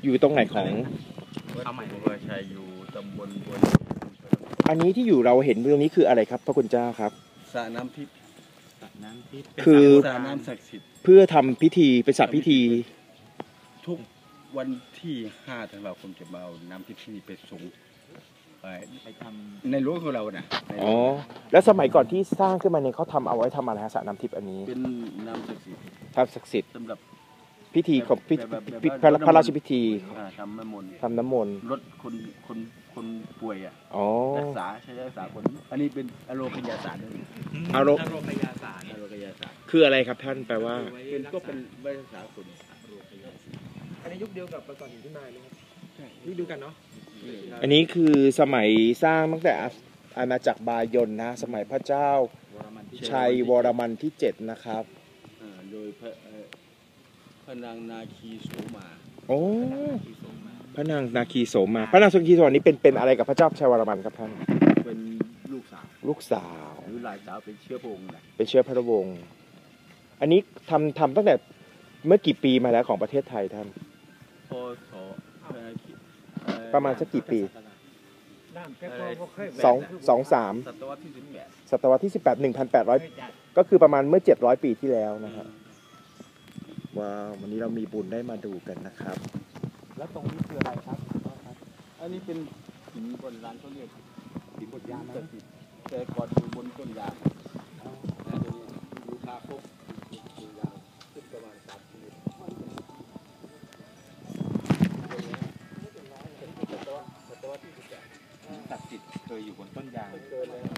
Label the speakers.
Speaker 1: อยู่ตรงไหนของ
Speaker 2: ข้าวใหม่บัวชัยอยู่ตำบลบัว
Speaker 1: อันนี้ที่อยู่เราเห็นตรงนี้คืออะไรครับพระคุณเจ้าครับ
Speaker 2: สระน้ำทิพย์
Speaker 1: คือ
Speaker 2: สระน้ำศักดิ์สิทธิ์
Speaker 1: เพื่อทำพิธีเป็นสระพิธี
Speaker 2: ทุกวันที่5 ธันวาคมจะมาเอาน้ำทิพย์ที่นี่ไปส่งไปทำในรั้วของเราน่ะ
Speaker 1: อ๋อแล้วสมัยก่อนที่สร้างขึ้นมาเนี่ยเขาทำเอาไว้ทำอะไรสระน้ำทิพย์อันนี้
Speaker 2: เป็นน้ำศักดิ์สิทธิ์
Speaker 1: ศักดิ์สิทธิ์
Speaker 2: สำหรับ
Speaker 1: พิธีของพระราชพิธี
Speaker 2: ทำน้ำมนต์ลดคนป่วยรักษาใช้รักษาคนอันนี้เป็นอโรคยาศาสตร์ด้วย
Speaker 1: อโรคยาศาสตร์คืออะไรครับท่านแปลว่า
Speaker 2: ก็เป็นวิทยาศาสตร์คน
Speaker 3: อันนี้ยุคเดียวกับประกอบหินพิมายไหมครับยุคเดียวกันเนาะ
Speaker 1: อันนี้คือสมัยสร้างตั้งแต่อาณาจักรบายนนะสมัยพระเจ้าชัยวรมันที่7นะครับ
Speaker 2: โดยพระนางนาคีโสมา
Speaker 1: โอ้พระนางนาคีโสมาพระนางนาคีโสมานี้เป็นอะไรกับพระเจ้าชัยวรมันครับท่าน
Speaker 2: เป็นลูกสาวหรือหลานสาวเป็นเชื้อพระองค์
Speaker 1: เป็นเชื้อพระวงศ์อันนี้ทำตั้งแต่เมื่อกี่ปีมาแล้วของประเทศไทยท่าน
Speaker 2: พศ
Speaker 1: ประมาณสักกี่ปี23ศตวรรษที่18 1,800ก็คือประมาณเมื่อ700 ปีที่แล้วนะฮะว้าววันนี้เรามีบุญได้มาดูกันนะครับ
Speaker 3: แล้วตรงนี้คืออะไรครับ
Speaker 2: อันนี้เป็นหินบนร้านเขาเรียกหินบนยางนะแต่ก่อนอยู่บนต้นยางดูคาคบยาวขึ้นประมาณ3 เมตรศตวรรษที่18ศักดิ์สิทธิ์เคยอยู่บนต้นยาง